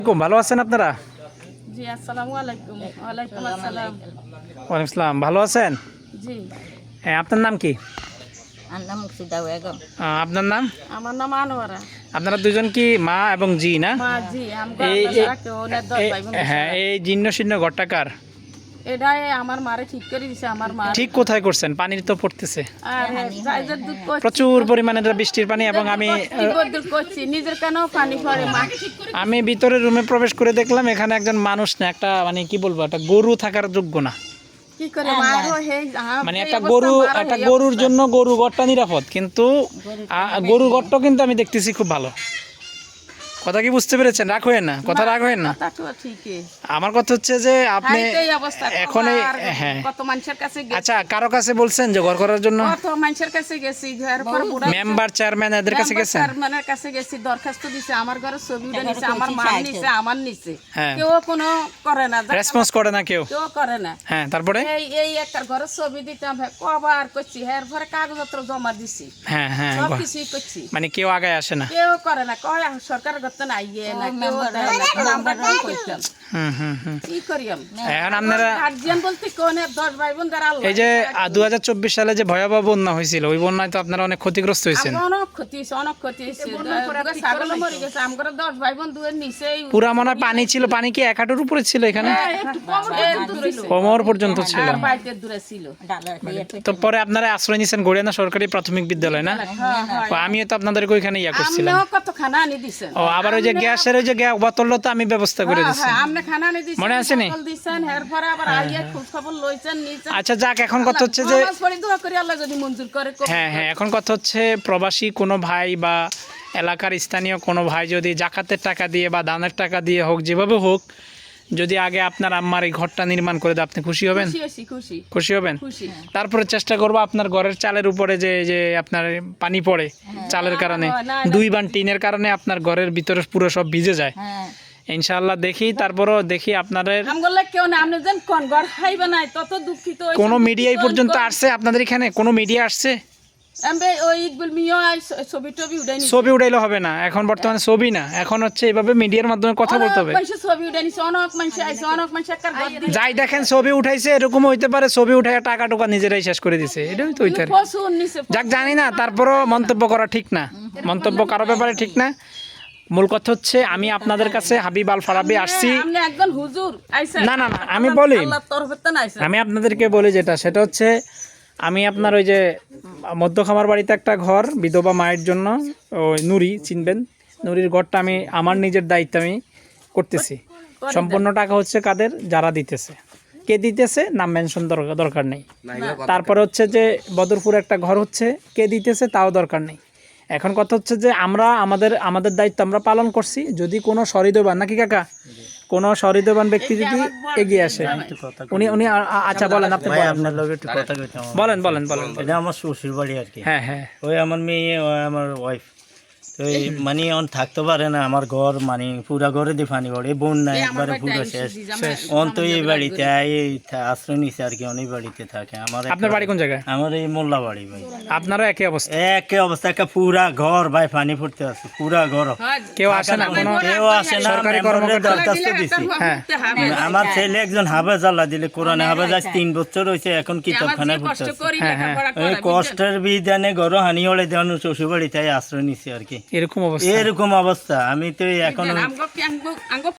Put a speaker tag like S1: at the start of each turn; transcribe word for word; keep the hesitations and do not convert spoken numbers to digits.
S1: খুব ভালো আছেন আপনারা?
S2: জি আসসালামু আলাইকুম। ওয়ালাইকুম আসসালাম।
S1: ওয়ালাইকুম আসসালাম। ভালো আছেন?
S2: জি।
S1: হ্যাঁ, আপনার নাম কি?
S3: আমার নাম মুর্শিদা বেগম।
S1: আহ, আপনার নাম?
S2: আমার নাম আনোয়ারা।
S1: আপনারা দুজন কি মা এবং জি না?
S2: মা জি আমগো
S1: এই
S2: আমরা
S1: এই-
S2: সারা কেউ না দশ
S1: এই-
S2: ভাই বোন
S1: হ্যাঁ,
S2: সারা।
S1: এই জীর্ণ শীর্ণ ঘরটা কার?
S2: এটাই আমার মারে ঠিক করে দিছে আমার মা।
S1: ঠিক কোথায় করছেন? পানির তো পড়তেছে
S2: আর যাইদের দুধ করছি।
S1: প্রচুর পরিমাণে এটা বৃষ্টির পানি এবং আমি
S2: কি বদল করছি নিজের কেন পানি পড়ে মা।
S1: আমি ভিতরে রুমে প্রবেশ করে দেখলাম এখানে একজন মানুষ না, একটা মানে কি বলবো, একটা গরু থাকার যোগ্য না।
S2: কি করে মারো হে
S1: মানে একটা গরু একটা গরুর জন্য গরু ঘরটা নিরাপদ, কিন্তু আ- গরুর ঘরটাও কিন্তু আমি দেখতেছি খুব ভালো। কথা কি বুঝতে পেরেছেন? রাগ হয়েন না, কথা রাগ হয়েন না।
S2: তা তো ঠিকই।
S1: আমার কথা হচ্ছে যে আপনি
S2: এই অবস্থা
S1: এখন এই- হ্যাঁ,
S2: কত মানুষের কাছে গেছি
S1: আচ্ছা, কারো কাছে বলছেন যে ঘর করার জন্য?
S2: কত মানুষের কাছে গেছি ঘর পর বুড়া
S1: মেম্বার চেয়ারম্যান এদের কাছে গেছেন?
S2: চেয়ারম্যানের কাছে গেছি, দরখাস্ত দিছে, আমার ঘরে ছবি উঠে নিছে, আমার মা নিছে, আমার নিছে,
S1: হ্যাঁ।
S2: কেউ কোনো করে না,
S1: রেসপন্স করে না কেউ?
S2: কেউ করে না।
S1: হ্যাঁ, তারপরে?
S2: এই এই একটা ঘরে ছবি দিতাম, হ্যাঁ, কবার করছি, হ্যাঁ, পরে কাগজপত্র জমা দিছি,
S1: হ্যাঁ হ্যাঁ,
S2: সব
S1: ঘর-
S2: কিছুই করছি,
S1: মানে কেউ আগায় আসে না?
S2: কেউ করে না, কয় সরকার গত না ইয়ে না, কেউ দেয় না, কারণ আমরা কি করতাম,
S1: হুম হুম হুম।
S2: কি করিয়াম
S1: এখন আপনারা
S2: গার্জিয়ান বলতে কোন দশ ভাই বোন যারা আল্লাহ
S1: এই যে দু হাজার চব্বিশ সালে যে ভয়াবহ বন্যা হয়েছিল, ওই বন্যায় তো আপনারা অনেক ক্ষতিগ্রস্ত হয়েছেন।
S2: আমরা অনেক ক্ষতি হয়েছে, অনেক ক্ষতি হয়েছে, ছাগল মরে গেছে, আমার দশ ভাই বোন দুয়ের নিচে
S1: পুরা মনে হয় পানি ছিল। পানি কি এক হাঁটুর উপরে ছিল এখানে? কোমর পর্যন্ত ছিল।
S2: আর বাড়িতে দূরে ছিল।
S1: তো পরে আপনারা আশ্রয় নিয়েছেন গড়িয়ানা সরকারি প্রাথমিক বিদ্যালয় না?
S2: হ্যাঁ, হ্যাঁ।
S1: তো আমিও তো আপনাদেরকে ওইখানে ইয়া করছিলাম।
S2: আমনেও কত খানা আনি দিছেন।
S1: ও, আবার ওই যে গ্যাসের ওই যে গ্যাস বোতলও তো আমি ব্যবস্থা করে দিচ্ছি।
S2: হ্যাঁ, আমনে খানা আনি দিছেন,
S1: মনে আছে নি?
S2: বোতল দিছেন, এরপরে আবার আইয়া খোঁজ খবর লইছেন, নিছেন।
S1: আচ্ছা যাক, এখন কথা হচ্ছে যে
S2: নামাজ পড়ি দোয়া করি আল্লাহ যদি মঞ্জুর করে।
S1: হ্যাঁ হ্যাঁ, এখন কথা হচ্ছে প্রবাসী কোনো ভাই বা এলাকার স্থানীয় কোনো ভাই যদি জাকাতের টাকা দিয়ে বা দানের টাকা দিয়ে হোক, যেভাবে হোক, যদি আগে আপনার আম্মার এই ঘরটা নির্মাণ করে দেয়, আপনি খুশি হবেন?
S2: খুশি হইছি, খুশি
S1: খুশি হবেন?
S2: খুশি।
S1: তারপরে চেষ্টা করবো আপনার ঘরের চালের উপরে যে যে আপনার পানি পড়ে চালের কারণে,
S2: না, না,
S1: দুই বান টিনের কারণে আপনার ঘরের ভিতরে পুরো সব ভিজে যায়।
S3: হ্যাঁ,
S1: ইনশাআল্লাহ দেখি, তারপরও দেখি আপনাদের
S2: আমগোলে কেউ না, আপনি যেন কোন ঘর খাইবে নাই তত দুঃখিত হইছি।
S1: কোনো মিডিয়াই পর্যন্ত আসছে? আপনাদের এখানে কোনো মিডিয়া আসছে?
S2: আমবে ওই ইদগুল মিয়া ছবি টবি উঠাই নিছে।
S1: ছবি উঠাইলে হবে না, এখন বর্তমানে ছবি না, এখন হচ্ছে এইভাবে মিডিয়ার মাধ্যমে কথা বলতে হবে।
S2: অনেক মানুষ ছবি উঠাই নিছে, অনেক মানুষ আইছে, অনেক মানুষ একটা ঘর দিছে।
S1: যাই দেখেন ছবি উঠাইছে, এরকম হইতে পারে ছবি উঠাই টাকা টুকা নিজেরাই শেষ করে দিছে, এটাই তো হইতে পারে।
S2: প্রচুর নিছে।
S1: যাক, জানি না, তারপরও মন্তব্য করা ঠিক না, মন্তব্য কারো ব্যাপারে ঠিক না। মূল কথা হচ্ছে আমি আপনাদের কাছে হাবিব আল ফারাবি আসছি।
S2: আপনি একজন হুজুর আইছেন।
S1: না না না, আমি বলি,
S2: আল্লাহর তরফে তো আইছেন।
S1: আমি আপনাদেরকে বলি যেটা, সেটা হচ্ছে আমি আপনার ওই যে মধ্যখামার বাড়িতে একটা ঘর বিধবা মায়ের জন্য, ওই নুরি চিনবেন, নুরির ঘরটা আমি আমার নিজের দায়িত্ব আমি করতেছি। সম্পূর্ণ টাকা হচ্ছে কাদের, যারা দিতেছে, কে দিতেছে নাম মেনশন দরকার দরকার নেই। তারপরে হচ্ছে যে বদরপুর একটা ঘর হচ্ছে, কে দিতেছে তাও দরকার নেই। এখন কথা হচ্ছে যে আমরা আমাদের আমাদের দায়িত্ব আমরা পালন করছি। যদি কোনো সহৃদয়বান, নাকি কাকা, কোনো সহৃদয়বান ব্যক্তি যদি এগিয়ে আসে, উনি উনি আ- আ- আচ্ছা বলেন, আপনি
S4: ভাই,
S1: বলেন
S4: আপনার লগে একটু কথা কইতে আমার।
S1: বলেন বলেন বলেন।
S4: এটা আমার শ্বশুর বাড়ি আর কি।
S1: হ্যাঁ হ্যাঁ,
S4: ওই আমার মেয়ে, ওই আমার ওয়াইফ, তো এই মানে অন থাকতে পারে না। আমার ঘর মানে পুরা ঘরে দিয়ে পানি পড়ে, বন্যা একবারে পুরো শেষ। অন তো এই বাড়িতে এই থা- আশ্রয় নিছে আর কি, অনেক বাড়িতে থাকে। আমার একটা-
S1: আপনার বাড়ি কোন জায়গায়?
S4: আমার এই মোল্লা বাড়ি ভাই।
S1: আপনারও একই অবস্থা?
S4: একে অবস্থা, একটা পুরা ঘর ভাই পানি পড়তে আছে, পুরা ঘর।
S1: কেউ আসে না কোনো?
S4: কেউ আসে না,
S1: সরকারি
S4: মেম্বারের
S1: কর্মকর্তা?
S4: দরখাস্ত দিছি।
S1: হ্যাঁ,
S4: আমার ছেলে একজন হাফেজ, আল্লাহ দিলে কোরআনে হাফেজ, আজ তিন বছর হয়েছে, এখন কিতাবখানায় পড়তে আছে।
S1: হ্যাঁ, হ্যাঁ।
S4: ওই কষ্টের বিধানে ঘর হানি হলে দেওয়ান শ্বশুর বাড়িতে আশ্রয় নিছি আর কি।
S1: এরকম অবস্থা?
S4: এরকম অবস্থা। আমি তো এখন
S2: আমগো আমগো